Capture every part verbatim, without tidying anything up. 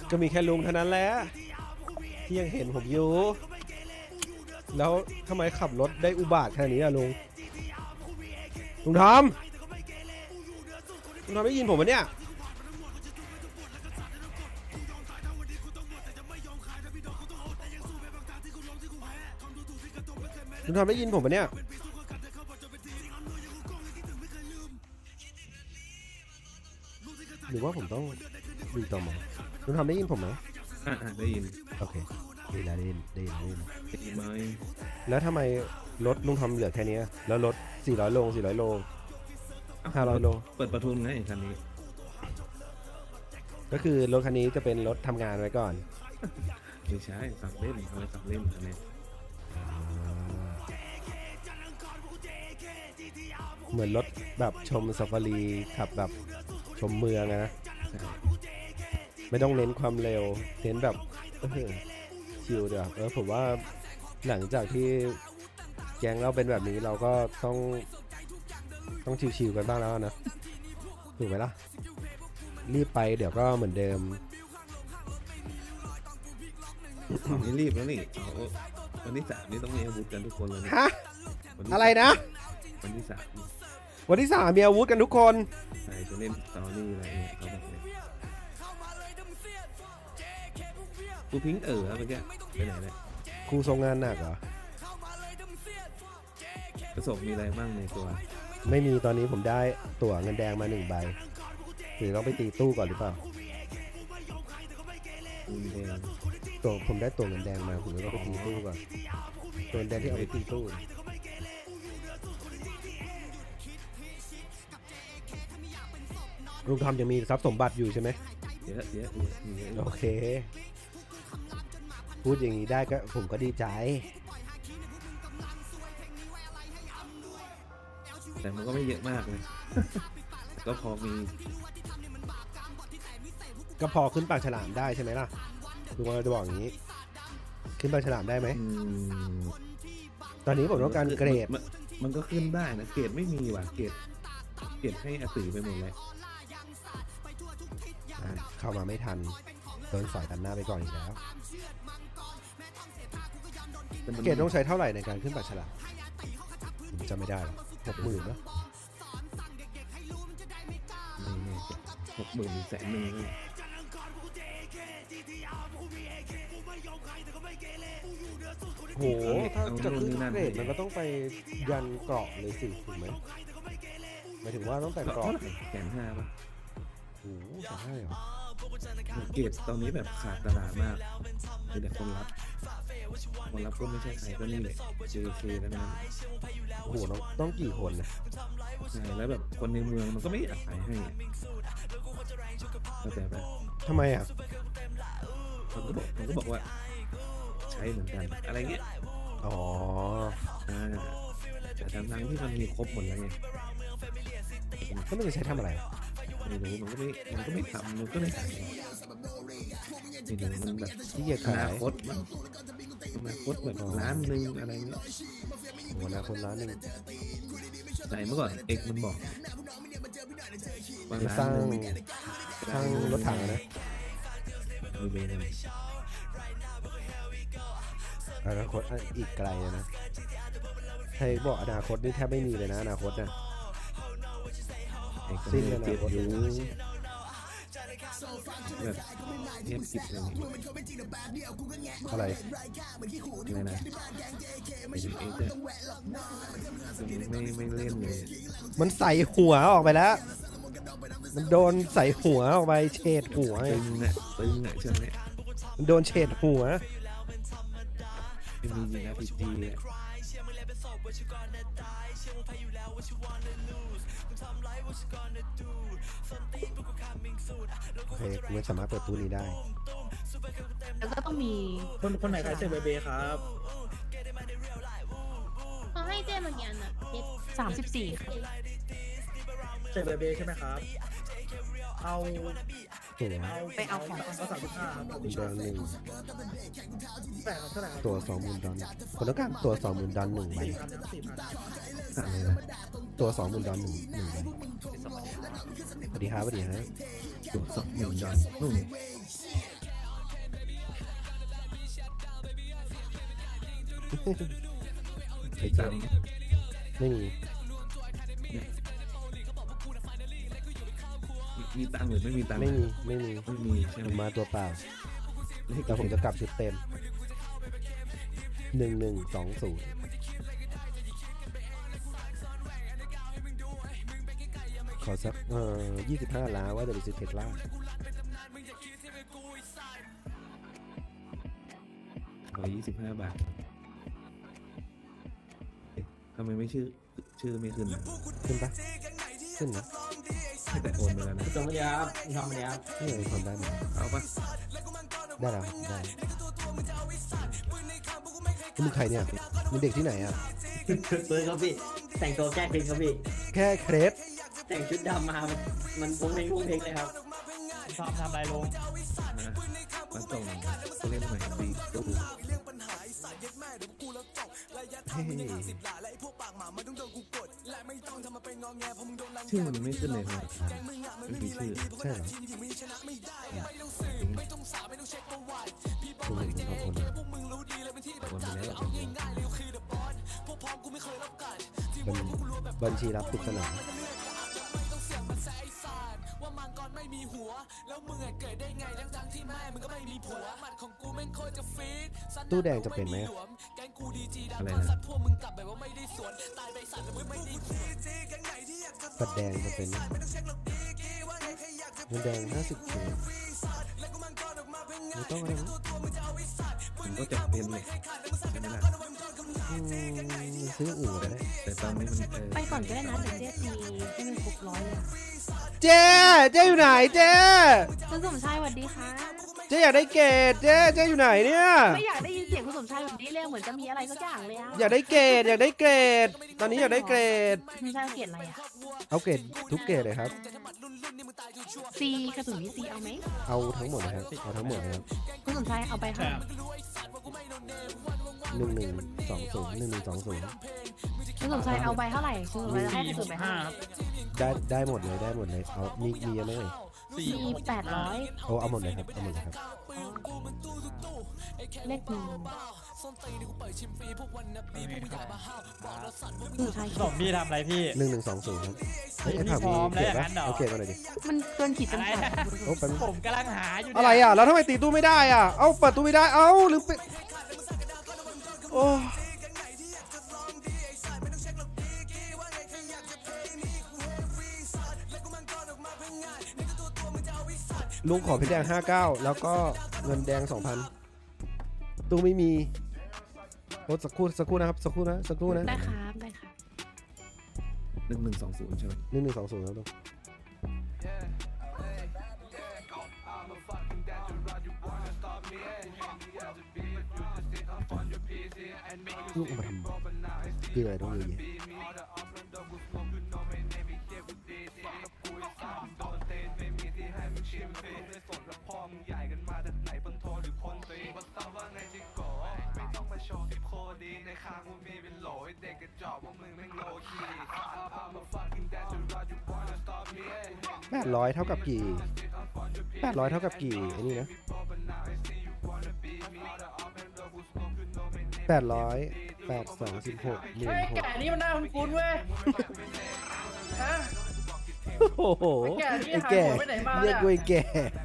ก็มีแค่ลุงเท่านั้นแหละที่ยังเห็นผมอยู่แล้วทำไมขับรถได้อุบาทขนาดนี้อะลุงลุงทอมลุงทอมได้ยินผมไหมเนี่ยลุงทอมได้ยินผมไหมเนี่ยหรือว่าผมต้องดูต่อมาลุงทอมได้ยินผมไหมอ่าได้ยินโอเคได้แล้วได้ยินได้ยินได้ยินได้ยินไหมแล้วทำไมรถลุงทอมเหลือแค่นี้แล้วรถสี่ร้อยโลสี่ร้อยโลห้าร้อยโลเปิดประทุนไงคันนี้ก็คือรถคันนี้จะเป็นรถทำงานไว้ก่อนไม่ใช่ขับเล่นเอาไว้ขับเล่นคันนี้เหมือนรถแบบชมซาฟารีขับแบบชมเมืองนะไม่ต้องเน้นความเร็วเน้นแบบเออชิลเดี๋ยวเออผมว่าหลังจากที่แก๊งเราเป็นแบบนี้เราก็ต้องต้องชิลๆกันบ้างแล้วนะถูกไหมล่ะรีบไปเดี๋ยวก็เหมือนเดิมไม่รีบแล้วนี่เอาวันที่สามนี่ต้องมีอาวุธกันทุกคนเลยฮะอะไรนะวันที่สามวันที่สามมีอาวุธกันทุกคนใช่จะเล่นสตอรี่อะไรเนี่ยเขาบอกเลยกูพิงเอ๋อเมื่อกี้ไปไหนเนี่ยครูทรงงานหนักเหรอประสบมีอะไรบ้างในตัวไม่มีตอนนี้ผมได้ตั๋วเงินแดงมาหนึ่งใบหรือต้องไปตีตู้ก่อนหรือเปล่าเงินแดงตัวผมได้ตั๋วเงินแดงมาผมก็ไปตีตู้ก่อนตัวเงินแดงที่เอาไปตีตู้ลุงทอมยังมีทรัพย์สมบัติอยู่ใช่ไหมเยอะเยอะเยอะโอเคพูดอย่างนี้ได้ก็ผมก็ดีใจแต่มันก็ไม่เยอะมากเลยก็พอมีก็พอขึ้นปากฉลามได้ใช่ไหมล่ะลุงว่าจะบอกอย่างนี้ขึ้นปากฉลามได้ไหมตอนนี้ผมต้องการเกรดมันก็ขึ้นได้นะเกรดไม่มีว่ะเกรดเกรดให้อาตือไปหมดเลยเข้ามาไม่ทันโดนสอยตันหน้าไปก่อนอีกแล้วเกรดต้องใช้เท่าไหร่ในการขึ้นปากฉลามผมจำไม่ได้หรอกหกหมื่นนะหกหมื่นแสนหนึ่งโหถ้าจะขึ้นเกรดมันก็ต้องไปยันเกราะเลยสิถูกไหมหมายถึงว่าต้องแต่งเกราะแสนห้าป่ะโอ้โหใช่เหรอเกรดตอนนี้แบบขาดตลาดมากมีแต่คนรับคนรับก็ไม่ใช่ใครก็นี่เลย เจ เค แล้วนะโอ้โหต้องต้องกี่คนนะใช่แล้วแบบคนในเมืองมันก็ไม่อยากขายให้เข้าใจปะทำไมอ่ะมันก็บอกมันก็บอกว่าใช้เหมือนกันอะไรเงี้ยอ๋ออ่าแต่ทั้งที่มันมีครบหมดแล้วไงก็ไม่ได้ใช้ทำอะไรไม่รู้มันก็ไม่มันก็ไม่ทำมันก็ไม่ขายไม่รู้มันแบบที่จะขายอนาคตมันอนาคตแบบล้านหนึ่งอะไรเงี้ยโอ้อนาคตล้านหนึ่งใช่เมื่อก่อนเอกมันบอกว่าสร้างสร้างรถถังนะมีเบนอะไรอนาคตอีกไกลนะใครบอกอนาคตนี่แทบไม่มีเลยนะอนาคตนะสิ้นอนาคตอยู่แบบเงียบกิบเลยอะไรอะไรนะไม่ถึงเอกไม่ไม่เล่นเลยมันใส่หัวออกไปแล้วมันโดนใส่หัวออกไปเฉดหัวตึงอ่ะตึงอ่ะช่วงนี้มันโดนเฉดหัวไม่มีจริงนะพีจีอ่ะโอเคคุณไม่สามารถเปิดตู้นี้ได้แล้วก็ต้องมีคนคนไหนขายเซเบเบครับเขาให้เจ๊มากี่อันอ่ะเจ็ดสามสิบสี่เซเบเบใช่ไหมครับเอาตัวไปเอาของเอาสามสิบห้าดอนหนึ่งแต่เท่าไหร่ตัวสองหมื่นดอนคนต้องการตัวสองหมื่นดอนหนึ่งใบสั่งเลยนะตัวสองหมื่นดอนหนึ่งหนึ่งใบสวัสดีครับสวัสดีฮะตัวสองหมื่นดอลนู่นไอ้ตัเจ๊งค์ไม่มีมีตังค์หรือไม่มีตังค์ไม่มีไม่มีไม่มีใช่ผไหมมมาตัวเปล่าเลขแต่ผมจะกลับชุดเต็มหนึ่งหนึ่งสองศูนย์ขอสักเอ่อยี่สิบห้าล้านว่าจะไปซื้อเทสลาร้อยยี่สิบห้าบาทเอ๊ะทำไมไม่ชื่อชื่อไม่ขึ้นนะขึ้นปะขึ้นนะแต่โอนไปแล้วนะสวัสดีครับพี่ทอมสวัสดีครับนี่ไงทำได้ไหมเอาปะได้แล้วได้มึงใครเนี่ยมึงเด็กที่ไหนอ่ะเบิร์ดครับพี่ แต่งตัวแก้พินครับพี่แค่เครปแต่งชุดดำมา มันมันพุงเพลงพุงเพลงเลยครับชอบทำอะไรลงนะมาส่งผู้เล่นใหม่ดีดูเฮ้ยชื่อมันไม่ขึ้นเลยครับไม่มีชื่อใช่เหรอคุณเห็นเป็นของคนเหรอโอนไปแล้วบัญบัญชีรับปริศนาตู้แดงจะเป็นไหมอะอะไรนะบัตรแดงจะเป็นไหมเงินแดงห้าสิบถุงไม่ต้องอะไรนะผมก็จะเป็นเลยใช่ไหมล่ะอืมซื้ออื่นก็ได้แต่ตอนนี้มันเออไปก่อนก็ได้นะเดี๋ยวเจ๊ตีให้มันครบร้อยเลยเจ๊เจ๊อยู่ไหนเจ๊คุณสมชายสวัสดีค่ะเจ๊อยากได้เกรดเจ๊เจ๊อยู่ไหนเนี่ยไม่อยากได้ยินเสียงคุณสมชายแบบนี้เลยเหมือนจะมีอะไรสักอย่างเลยอะอยากได้เกรดอยากได้เกรดตอนนี้อยากได้เกรดคุณสมชายเกลียดอะไรอะเอาเกรดทุกเกรดเลยครับซีกระสุนมีซีเอาไหมเอาทั้งหมดนะครับเอาทั้งหมดนะครับคุณสมชายเอาไปค่ะหนึ่งหนึ่งสองศูนย์หนึ่งหนึ่งสองศูนย์คุณสมชายเอาไปเท่าไหร่คุณสมชายจะให้กระสุนไปห้าเท่าไหร่ได้ได้หมดเลยได้หมดเลยเอามีมีเยอะไหมเอ่ยสี่มีแปดร้อยโอ้เอาหมดเลยครับเอาหมดเลยครับเลขหนึ่งคุณสมชายสมพี่ทำอะไรพี่หนึ่งหนึ่งสองศูนย์ครับเฮ้ยไอ้พี่ผักพมีร้อมเกรดแล้วปะอย่างนั้นเหรอเอาเกรดมาหน่อยดิมันเกินขีดจำกัดอะไรนะโอ้แป๊บนึงผมกำลังหาอยู่เนี่ยอะไรอ่ะแล้วทำไมตีตู้ไม่ได้อ่ะเอ้าเปิดตู้ไม่ได้เอ้าหรือไปโอ้ลุงขอเพชรแดงห้าเก้าแล้วก็เงินแดงสองพันตู้ไม่มีโอ้สักครู่สักครู่นะครับสักครู่นะสักครู่นะได้ครับได้ครับหนึ่งหนึ่งสองศูนย์ใช่ไหมหนึ่งหนึ่งสองศูนย์ครับลุงลูกเอามาทำคืออะไรต้องเยอะแยะแปดร้อยเท่ากับกี่แปดร้อยเท่ากับกี่ไอ้นี่นะแปดร้อยแปดสองสิบหกหมื่นเฮ้ยหกแก่นี่มันน่าคุ้นๆเว้ย ฮะโอ้โหแก่นี่ไอ้หายแก่หัวไปไหนมาเรีเนี่ย ยกกูไอ้แก่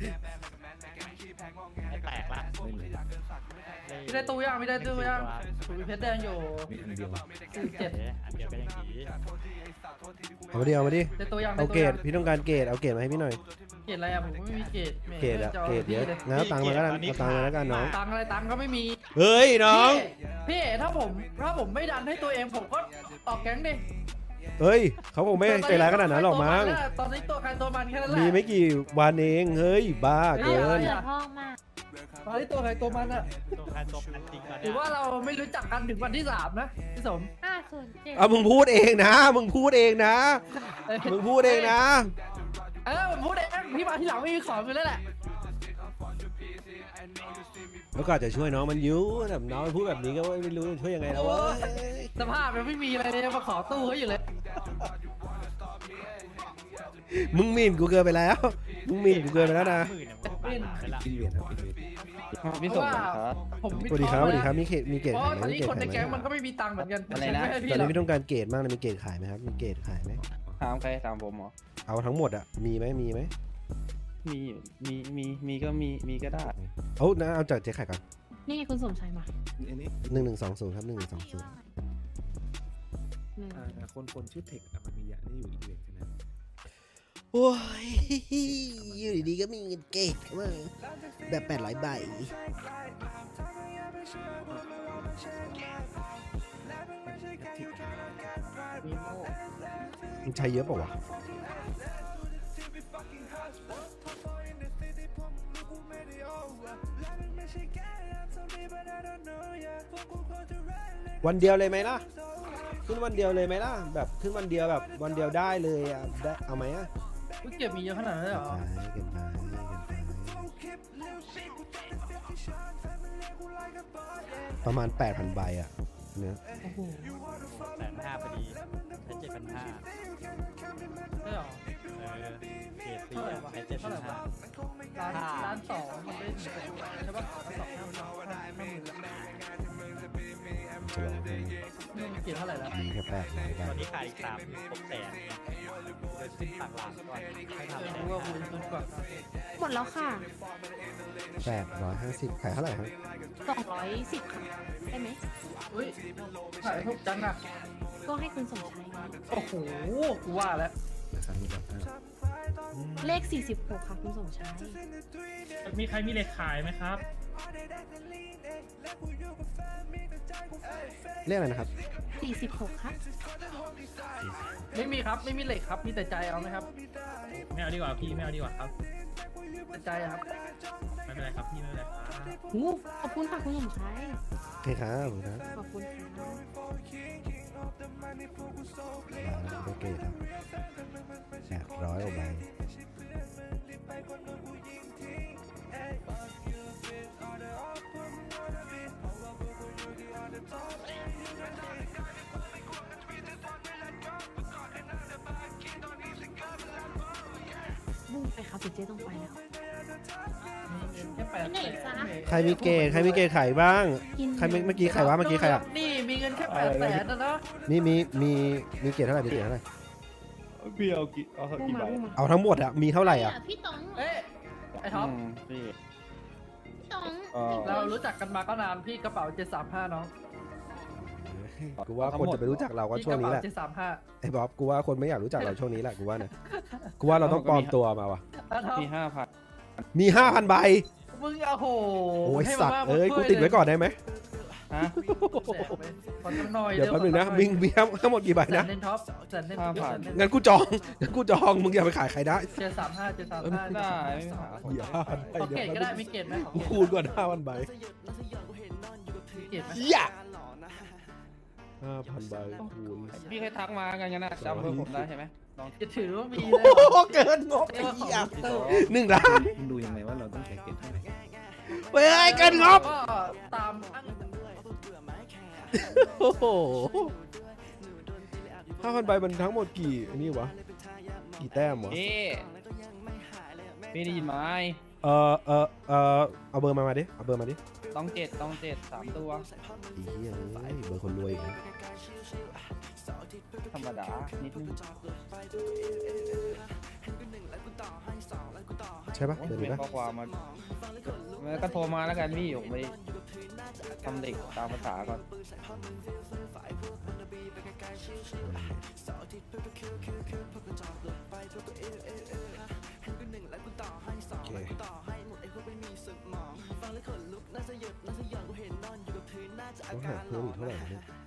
ไม่แตกละเล่นเลยมีได้ตู้ยังมีได้ตู้ยังถูมีเพชรแดงอยู่มีอันเดียวสี่เจ็ดเอ๊ะอันเดียวก็ยังดีเอามาดิเอามาดิได้ตู้ยังเอาได้เกรตู้ดยังพี่ต้องการเกรดเอาเกรดมาให้พี่หน่อยเกรดอะไรอะผมไม่มีเกรดแหมเกรดอะจะาเกรดเยอะพี่ลงั้นเอาตังค์มาแล้วกันเอาตังค์มาแล้วกันน้องตังค์อะไรตังค์ก็ไม่มีเฮ้ยน้องพี่พี่ถ้าผมถ้าผมไม่ดันให้ตัวเองผมก็ออกแก๊งดิเฮ้ยเขาคงไม่ใจร้ายขนาดนั้นหรอกมั้งตอนนี้ตัวใครตัวมันแค่นั้นแหละมีไม่กี่วันเองเฮ้ยบ้าเกินเดือดพ่อมากตอนนี้ตัวใครตัวมันอะตัวใครตัวมันจริงตอนถืเนี้อย ว่าเราไม่รู้จักกันถึงวันที่สามนะพี่สมห้าศูนย์เจ็ดเอามึงพูดเองนะมึงพูดเองนะเอ้ยมึงพูดเองนะเออผมพูดเองพี่มาที่หลังไม่มีของอยู่แล้วแหละแล้วก็อาจจะช่วยน้องมันอยุ่แบบน้องมันพูดแบบนี้ก็ไม่รู้จะช่วยยังไงแล้วเว้ยสภาพมันไม่มีอะไรเลยมาขอตู้เขาอยู่เลยมึงหมิ่นกูเกินไปแล้วมึงหมิ่นกูเกินไปแล้วนะหมื่นเนี่ยผมไปผ่านไปละอินเวดครับอินเวดพี่ส่งครับผมสวัสดีครับสวัสดีครับมีเกตมีเกตเพราะขายไหมตอนมีนี้เกตคนขาในยไหมแก๊งมันก็ไม่มีตังค์เหมือนกันอะไรนะม่ให้ตพี่อนหรนี้อกพี่ต้องการเกตมากเลยมีเกตขายไหมครับมีเกตขายไหมถามใครถามผมเหรอเอาทั้งหมดอะมีไหมมีไหมมีมีมีมีก็มีมีก็ได้เอานะเอาจากเจ๊ไข่ก่อนนี่ไงคุณสมชายมาอันนี้หนึ่งหนึ่งสองศูนย์ครับหนึ่งหนึ่งสองศูนย์หนึ่งอ่าคนคนชื่อเทคอะมันมียะนี่อยู่อินเวดใช่ไหมโอ้ยอยู่ดีๆก็มีเงินเกตเข้ามาแบบแปดร้อยใบมันใช้เยอะเปล่าวะ วันเดียวเลยไหมล่ะขึ้นวันเดียวเลยไหมล่ะแบบขึ้นวันเดียวแบบวันเดียวได้เลยอ่ะได้เอาไหมอ่ะอุ๊ยเก็บมีเยอะขนาดนั้นเลยเหรอไปกันไปกันไปประมาณ แปดพัน ใบอ่ะเนี่ยโอ้โหแสนห้าพอดีใช้เจ็ดพันห้าใช่เหรอเออเกรดสี่อะใช้เจ็ดพันห้าร้านร้านสองมันได้ถึงใช่ปะร้านสองห้าห้าห้าหมื่นจะลองให้นี่มันเก็บเท่าไหร่แล้วมีแค่แปดร้อยใบตอนนี้ขายอีกสามหกแสนเนี่ยเดี๋ยวขึ้นต่างหลังก่อนให้ทำเออแสนรู้ว่าคุณห้าคุณกว่าหมดแล้วค่ะแปดร้อยห้าสิบขายเท่าไหร่ครับสองร้อยสิบค่ะ ได้ไหมอุ้ยขายถูกจังอะก็ให้คุณสมชายไงโอ้โหกูว่าแล้วนะครับมีแบบห้าเลขสี่สิบหกค่ะคุณสมชายมีใครมีเหล็กขายไหมครับเรียกอะไรนะครับสี่สิบหกครับไม่มีครับไม่มีเหล็กครับมีแต่ใจเอาไหมครับไม่เอาดีกว่าพี่ไม่เอาดีกว่าครับแต่ใจอะครับไม่เป็นไรครับพี่ไม่เป็นไรครับหูขอบคุณค่ะคุณสมชายโอเคครับผมครับขอบคุณค่ะร้านเกตครับแปดร้อยกว่าใบบุ้งไปครับเจ๊ต้องไปแล้วแค่แปดไปไหนจ๊ะใครมีเกตใครมีเกตขายบ้างกินใครเมื่อเมื่อกี้ใครวะเมื่อกี้ใครอ่ะนี่มีเงินแค่แปดแสนนะเนาะมีมีมีมีเกตเท่าไหร่มีเกตเท่าไหร่พี่เอากี่เอาบุ้งกี่มาใบบุ้งมาเอาทั้งหมดอ่ะมีเท่าไหร่อ่ะพี่ต๋องเอ๊ะไอ้ท็อปอืมพี่พี่ต๋องเอ่อเรารู้จักกันมาก็นานพี่กระเป๋าเจ็ดสามห้าน้องกูว่าคนจะไปรู้จักเราก็พี่ช่วงนี้แหละเจ็ดสามห้าไอ้บ๊อบกูว่าคนไม่อยากรู้จักเราช่วงนี้แหละกูว่านะกูว่าเราต้องปลอมตัวมาว่ะอ่ะท็อปมีห้าพันมีห้าพันใบมึงโอ้โหโอ้ยให้สัมาตว์มากเอ้ยมากูช่วติดไว้ก่อนได้ไหมฮะแสนไหมขอจำหน่อยเดี๋ยวแป๊บนึงนะขอมิงมีทั้งหมดกี่ใบแสนะนเล่นท็อปแสนเล่นห้าพันแสเล่งั้นกูจองงั้นกูจองมึงอย่าไปขายใครได้เจ็ดสามห้าเจ็ดสามห้าได้ไม่มีปัญหาเหี้ยห้าพันใบขอเดี๋ยวเกตก็ได้มีเกตไหมขอกูเกตคูณก่อนห้าพันใบมีเกตไหมเหี้ยห้าพันใบคูณพี่เคยทักมากันงั้นนะจำเบอร์ผมได้ใช่ไหมลองจะถือว่ามีโอ้เลยเหรอโหเกินงบเรีไอ้ยกว่าของเหี้ยดิจิตอลหนึ่งล้านมึงดูยังไงว่าเราต้องใช้เกตเท่าไหร่เฮ้ยเกินงบก็ตามอ้างโอ้โหห้าพันใบมันทั้งหมดกี่อันนี้วะกี่แต้มวะพี่พี่ได้ยินไหมเออเออเออเอาเบอร์มามาดิเอาเบอร์มาดิต้องเจ็ดต้องเจ็ดสามตัวไอ้เหี้ยเอ้ยเบอร์คนรวยอีกนะธรรมดานิดนึงใช่ปะเบอร์เป็นี้นปะข้อความมาแล้วก็โทรมาแล้วกันพี่ผมไปทำเด็กตามภาษาก่อนโอเคต้องหาเพิ่มอีกเท่าไหร่เนี่ย